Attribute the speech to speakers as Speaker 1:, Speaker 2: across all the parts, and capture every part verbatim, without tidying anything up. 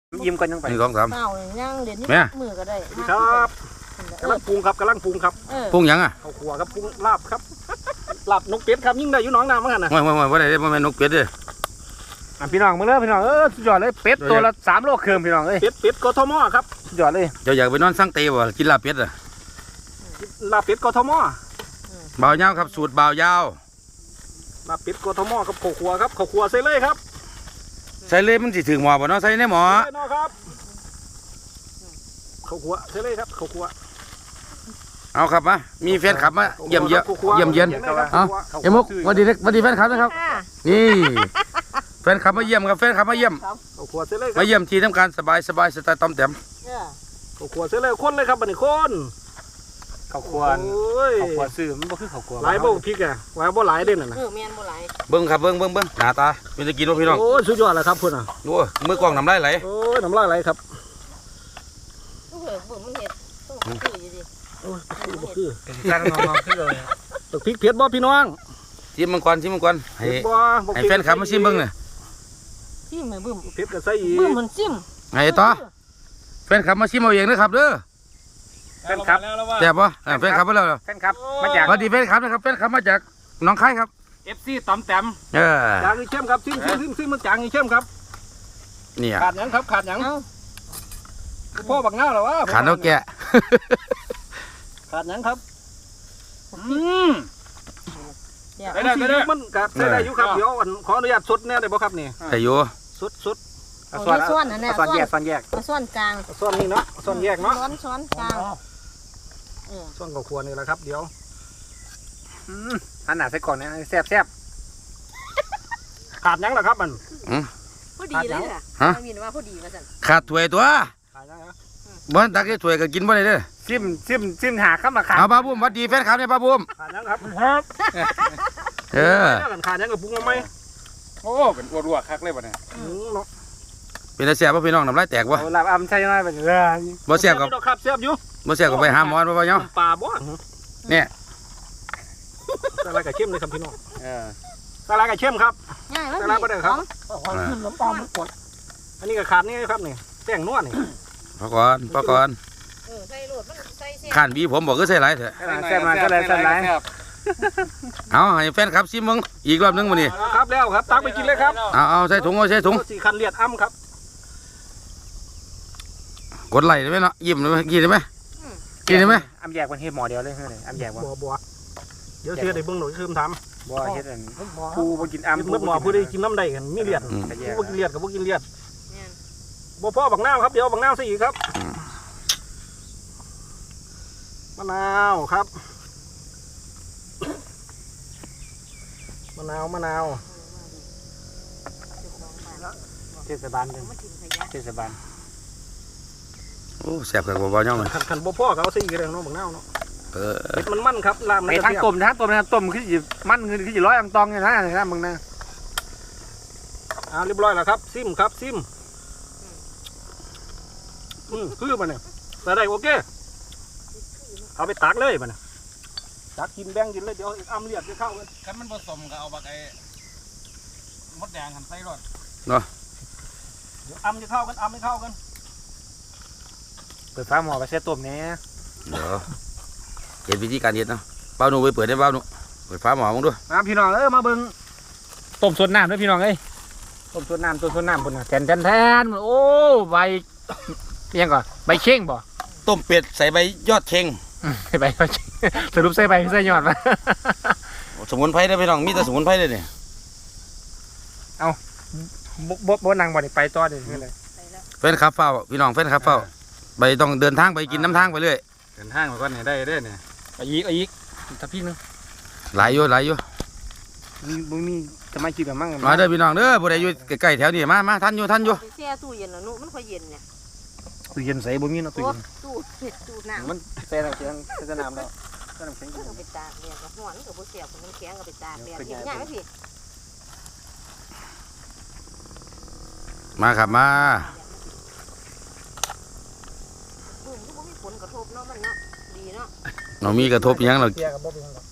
Speaker 1: ยิ้มกันยังไป
Speaker 2: หนึ่งสองสาม
Speaker 3: เต่าย่างเด่นนี่มือก็ได้
Speaker 1: ครับกำลังปรุงครับกำลังปรุงครับ
Speaker 2: ปรุงยังอ่ะ
Speaker 1: ข้าวคั่วครับปรุงลาบครับลาบนกเป็ดครับยิ่งได้อยู่น้องน้ำเหมือนกันนะ
Speaker 2: ไม่ไม่ไม่ไม่ได้ไม่แม่นนกเป็ดเด้อ
Speaker 4: พี่น้องมึงเลิกพี่น้องเออสุดยอดเลยเป็ดตัวละสามโลครึ่งพี่น้องเอ้ย
Speaker 1: เป็ดเป็ดกทมครับ
Speaker 4: สุดยอดเลย
Speaker 2: เจ้าอยากไปนอนสั่งเตะบ่กินลาบเป็ดอ่ะ
Speaker 1: ลาบเป็ดกทม
Speaker 2: บ่าวยาวครับสูตรบ่าวยาว
Speaker 1: ลาบเป็ดกทมครับข้าวคั่วครับข้าวคั่วใส่เลยครับ
Speaker 2: ใส่เลยมันสิถึงหมอบ่เนาะใส่ในหมอ
Speaker 1: ใส่เนาะครับข้าวคั่วใส่เลยครับข้าวคั่ว
Speaker 2: เอาครับมามีแฟนขับมาเยี่ยมเยอะเยี่ยมเยียนเอาเอ็มมุกวันดีวันดีแฟนขับนะครับนี่แฟนขับมาเยี่ยมครับแฟนขับมาเยี่ยม
Speaker 1: ข้าวคั่วใส่เลยครับ
Speaker 2: มาเยี่ยมทีทำการสบายสบายสไตล์ต้อมแต้ม
Speaker 1: ข้าวคั่วใส่เลยคนเลยครับบัดนี้คน
Speaker 4: ข้าวคั่ว
Speaker 1: โอ้ย
Speaker 4: ข้าวคั่วซื้อมันบ่คือข้าวคั่ว
Speaker 1: หลายบ่พริกอ่ะหลายบ่หลายเด่นน่ะนะ
Speaker 3: เออเมียนบ่ไหล
Speaker 2: เบิ้งครับเบิ้งเบิ้งเบิ้งหน้าตาเป็นตะกินว่าพี่น้อง
Speaker 1: โอ้ยสุดยอดเลยครับคุณอ่ะ
Speaker 2: ดูมือกล้องน้ำลายไหล
Speaker 1: โอ้ยน้ำลายไหลครับ
Speaker 3: ลูกเหลือบ่มันเห็ดต้องคืออยู่ดิ
Speaker 1: โอ้ยบ่คือ
Speaker 4: ตั้งน้องๆขึ้นเลย
Speaker 1: ตกพริกเผ็ดบ่พี่น้อง
Speaker 2: ชิมมังกรชิมมังกรให้
Speaker 1: เผ็ดบ่บ่
Speaker 2: ให้แฟนขับมาชิมเบิ้งเลย
Speaker 3: ซิมบึ้ม
Speaker 1: เผ็ดก็ใส่อีก
Speaker 3: บึ้มมันซิม
Speaker 2: ให้ต่อแฟนขับมาชิมเอาเองนะครับเด้อ
Speaker 4: แฟนครับ
Speaker 2: แซ่บปะแฟนขับมาแล้ว
Speaker 4: แฟนครับมาจาก
Speaker 2: สวัสดีแฟนขับนะครับแฟนขับมาจากหนองคายครับ
Speaker 4: เอฟซีต้อมแต้ม
Speaker 2: เออ
Speaker 1: จางอีเข้มครับซิมซิมซิมซิมมันจางอีเข้มครับ
Speaker 2: เนี่ย
Speaker 1: ขาดหยังครับขาดหยัง
Speaker 3: เอ้า
Speaker 1: พ่อบักเงาเหรอวะ
Speaker 2: ขาดนกแกะ
Speaker 1: ขาดหยังครับ
Speaker 4: อืม
Speaker 3: เดี๋ยว
Speaker 4: ได้ได้ได้
Speaker 1: มันกัดใส่ได้อยู่ครับเดี๋ยวอันขออนุญาตสดแน่ได้บ่ครับนี่
Speaker 2: แต่อยู่
Speaker 1: สดสด
Speaker 3: เอาส่วนนั่นน่ะ
Speaker 4: ส่วน
Speaker 3: ส่วน
Speaker 4: แยกส่วนแยก
Speaker 3: ส่วนกลาง
Speaker 1: ส่วนนี้เนาะส่วนแยกเนาะ
Speaker 3: ช้อนช้อนกลางเออ
Speaker 1: ส่วนข้าวคั่วนี่แหละครับเดี๋ยว
Speaker 4: อืมอันหนาใส่ก่อนนะแซ่บแซ่บ
Speaker 1: ขาดหยังล่ะครับมัน
Speaker 3: พอดีเลยล่ะไม่มีว่าพอดีว่าซั่น
Speaker 2: ขาดถ้วยตัว
Speaker 1: ขาดหยังครับ
Speaker 2: บ้านตักได้ถ้วยก็กินบ่ได้เด้อ
Speaker 4: ซิมซิมซิมหาข้ามมาขา
Speaker 2: เอาป้าบุ้มสวัสดีแฟนขับเนี่ยป้าบุ้ม
Speaker 1: ขาดหยังครับ
Speaker 2: เออ
Speaker 1: ขาดหยังกับปรุงมาไหม
Speaker 4: โอ้เป็นรัวๆคักเลยบ่เนี่ย
Speaker 1: อืมเนาะ
Speaker 2: เป็นตาแซ่บป่ะพี่น้องน้ำลายแตกวะ
Speaker 4: เอาลาบอำใช่ไหมเป็นเรื่อง
Speaker 2: บ่แซ่บกับ
Speaker 1: อยู่ดอกครับแซ่บอยู่
Speaker 2: บ่แซ่บกับไปหาหมอบ่บ่เนาะ
Speaker 1: ปลาบ่
Speaker 2: เนี่ย
Speaker 1: สาลายกับเข้มเลยครับพี่น้อง
Speaker 4: เออ
Speaker 1: สาลายกับเข้มครับ
Speaker 3: ง่ายมั้ย
Speaker 1: สาลายบ่ได้ครับขึ้นน้ำปลามันกดอันนี้ก็ขาดนี่ครับนี่แป้งนวดนี่
Speaker 2: พอก่อนพอก่อน
Speaker 3: เออใส่โลดมันใส่เส้น
Speaker 2: ข้านบีผมบอกก็ใส่หลายเถอะ
Speaker 4: แซ่บมาก็เลยแซ่บไร
Speaker 2: เอาให้แฟนขับชิมมึงอีกรอบนึงมื้อนี้
Speaker 1: ครับแล้วครับตักไปกินเลยครับ
Speaker 2: เอาเอาใส่ถุงเอาใส่ถุง
Speaker 1: สี่คันเลียดอ้ำครับ
Speaker 2: กดไลค์ได้ไหมเนาะยิ้มได้ไหมกินได้ไหมกินได้ไหม
Speaker 4: อำแยกเป็นเฮ็ดหมอเดียวเลยเฮ้ยอำแยกบ่
Speaker 1: บัวบัวเดี๋ยวเชื่อได้เบิ่งหน่อยคือท
Speaker 4: บ่เฮ็ดอัน
Speaker 1: ำ
Speaker 4: ผู้บ่กิน
Speaker 1: อ้ำ
Speaker 4: อำ
Speaker 1: เมื่อหมอผู้ได้กินน้ำใดกันมีเลียด
Speaker 2: อืม
Speaker 1: ผู้บ่กินเลียดกับผู้กินเลียด
Speaker 3: เนี่ย
Speaker 1: บัวพ่อบักนาวครับเดี๋ยวบักนาวใส่อีกครับมะนาวครับมะนาวมะนาว
Speaker 4: เทศบาลเด้อ
Speaker 3: มันถึงขยะ
Speaker 4: เทศบาล
Speaker 2: โอ้แซ่บกับบ่ๆย่องเลย
Speaker 1: ขันขันบัวพ่อเขาเอาใส่อีกแล้วเนาะบักนาวเนาะ
Speaker 2: เออ
Speaker 1: เผ็ดมันมันครับลามมัน
Speaker 4: ไป
Speaker 1: จะ
Speaker 4: ทาง
Speaker 1: เสียบ
Speaker 4: ต้มทางต้มทางต้มคือสิมันคือคือสิร้อยอังตองเนี่ยนะนะมึงนะ
Speaker 1: อ่าเรียบร้อยแล้วครับซิมครับซิมอืมคือมันเนี่ยใส่ได้โอเคเอาไปตักเลยมันน่ะตักกินแบ่งกินเลยเดี๋ยวอ้ำเลียดจะเข้ากัน
Speaker 4: คันมันผสมก็เอาบักไอ้มดแดงหั่นใส่รส
Speaker 1: เดี๋ยวอ้ำจะเข้ากันอ้ำไม่เข้ากัน
Speaker 4: เปิดฟ้าหม้อไปเสียต้มแหน่
Speaker 2: เดี๋ยวเห็นวิธีการเฮ็ดเนาะเป้าหนูไปเปิดได้เป้าหนูเปิดฟ้าหมอมึงดู
Speaker 4: มาพี่น้องเอ้ยมาเบิ่งต้มสดน้ำด้วยพี่น้องเอ้ยต้มสดน้ำต้มสดน้ำพุ่นน่ะแทนแทนแทนโอ้ใบเอียงก่อนใบเข่งบ่
Speaker 2: ต้มเป็ดใส่ใบยอดเชง
Speaker 4: ใส่ใบก็สรุปใส่ใบใส่ยอดมา
Speaker 2: สมุนไพรได้อพี่น้องมีแต่สมุนไพรเลยเนี่ย
Speaker 4: บ่บ่บ่นั่งบ่นี่ไปต่อเด้อเลย
Speaker 3: ไปแล้ว
Speaker 2: แฟนขับเฝ้าพี่น้องแฟนขับเฝ้าไปต้องเดินทางไปกินน้ำทางไปเรื่อย
Speaker 4: เดินทางไปก่อนนี่ได้เด้อเนี่ยเอาอีกเอาอีกถ้าพี่นึง
Speaker 2: หลายอยู่หลายอยู่
Speaker 4: มีบ่มีจะมากินกับมั่ง
Speaker 2: มาเด้อพี่น้องเด้อบ่ได้อยู่ใกล้ๆแถวนี้มามาทันอยู่ทันอยู่
Speaker 3: ไปแช่ตู้เย็นแล้วนุมันค่อยเย็นเนี่ย
Speaker 4: ตู้เย็นใส่บ่มีเนาะตู้
Speaker 3: ตู้
Speaker 4: เย็น
Speaker 3: ตู้เห็ดตู้น้ำ
Speaker 4: มันใส่น้ำแข็งใส่น้ำแล้วใส่น้ำแข็ง
Speaker 3: มันก็ไปตากแดดกับหัวมันก็บ่เสียบมันแข็งก็ไปตากแดดเห็นง่ายไหมพี่
Speaker 2: มาครับมา
Speaker 3: บึ้มก็บ่มีผลกระทบเนาะมันเนาะดีเนาะ
Speaker 2: เรามีกระทบอิหยังเรา
Speaker 1: เกียกับบ่เป็นหรอก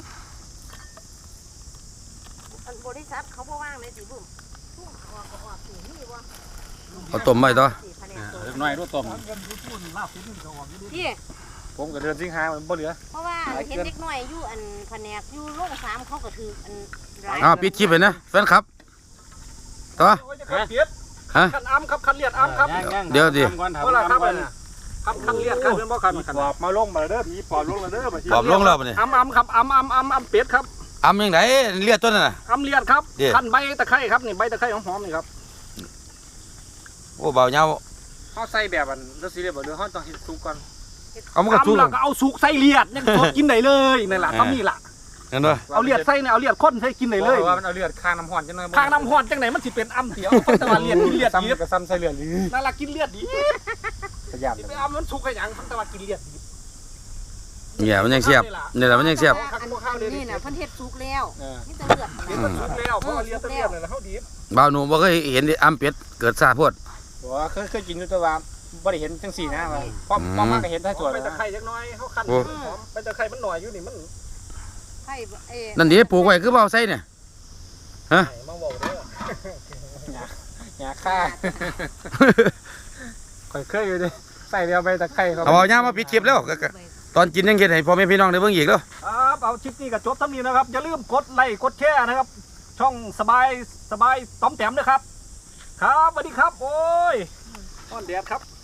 Speaker 3: อันบริษัทเขาบ่ว่างเลยสิบึ้มทุ่งออกก็ออกสิมีบ่
Speaker 2: เอาต้มไว้ต่อ
Speaker 3: สิแผนกต้
Speaker 4: หน่อยรูต้ม
Speaker 3: พี่
Speaker 4: ผมกับเดือนสิงหามันบ่เหลือ
Speaker 3: เพราะว่าเห็นเด็กน้อยอยู่อันแผนกอยู่โรงสามเขาก็ถืออันร้าย
Speaker 2: อ้าวปิดคลิปเลยนะแฟนครับต่อ ฮะ
Speaker 1: คันอ้ำครับคันเลียดอ้ำครับ
Speaker 2: เดี๋ยวดิ
Speaker 1: เพราะอะไรครับครับคันเลียดครับเป็นบ่คันคันปอบมาลงมาเด้อมีปอบลงมาเด้อ
Speaker 2: ปอบลงแล้วปะเนี่ย
Speaker 1: อ้ำอ้ำครับอ้ำอ้ำอ้ำอ้ำเป็ดครับ
Speaker 2: อ้ำยังไงเลียดต้นน่ะนะ
Speaker 1: อ้ำเลียดครับ
Speaker 2: เดี๋ยว
Speaker 1: คันใบตะไคร้ครับนี่ใบตะไคร้หอมๆนี่ครับ
Speaker 2: โอ้เบาเงา
Speaker 4: เขาใส่แบบอันรสซีเรียบบ่เดือเขาต้องเฮ็ดซุปก่อน
Speaker 2: เอามันกระทุ้
Speaker 1: อ้ำ
Speaker 2: ง
Speaker 1: แล้วก็เอาสุกใส่เลียดยังสดกินได้เลยนั่นแหละ
Speaker 2: เออ
Speaker 1: ทำนี่ล่ะ
Speaker 2: เห็นด้วย
Speaker 1: เอาเลียดใส่เนี่ยเอาเลียดข้นใส่กินได้เลย
Speaker 4: ว่ามันเอาเลือดข้างน้ำห่อนจังเลย
Speaker 1: ทางน้ำหอนจังไหนมันสิเป็นอ้ำเสียวแต่ว่าเลียดกินเลียดดี
Speaker 4: ซ้ำกับซ้ำใส่เลือด
Speaker 1: นั่นล่ะกินเลียดดี
Speaker 4: ขยัน
Speaker 1: ไปอ้ำมันสุกให้หยังแต่ว่ากินเลียดดี
Speaker 2: เนี่ยมันยังเสียบเนี่ยแหละมันยังเสียบ
Speaker 3: อันนี้น่ะเพิ่นเฮ็ดสุกแล้ว
Speaker 4: เออ
Speaker 3: นี่แต่เลือด
Speaker 1: เลียดมันสุกแล้วเพราะว่าเลียดเลียดเลยแล้วเขาดี
Speaker 2: เบาหนูบ่เคยเห็นอ้ำเป็ดเกิดซาโพด
Speaker 4: บอกว่าเคยเคยกินอยู่แต่ว่าบ่ได้เห็นจังสี่นะว่าพอพอมาก็เห็นได้
Speaker 1: ตั
Speaker 4: ตัว ว
Speaker 1: ไป
Speaker 4: แล้ว
Speaker 1: ตะไคร้จักหน่อยเขาคันหอมไปตะไคร้มันหน่อยอยู่นี่มัน
Speaker 3: ไข่เอ้
Speaker 2: นั่นดิปลูกไว้คือเบาใส่เนี่ย
Speaker 1: มาบอกเด้อ
Speaker 4: หยาค่าค่อยเคยอยู่ดิใส่เดียวไปตะไคร้เขา
Speaker 2: เอาเบาเงามาปิดคลิปแล้วก็ก็ตอนกินยังเห็นให้พ่อแม่พี่น้องได้เบิ่งอีกแล้ว
Speaker 1: ครับเอาคลิปนี้ก็จบเท่านี้นะครับอย่าลืมกดไลค์กดแชร์นะครับ ช่องสบายสบายต้อมแต้มนะครับ ครับสวัสดีครับโอ้ยต้อนแดดครับ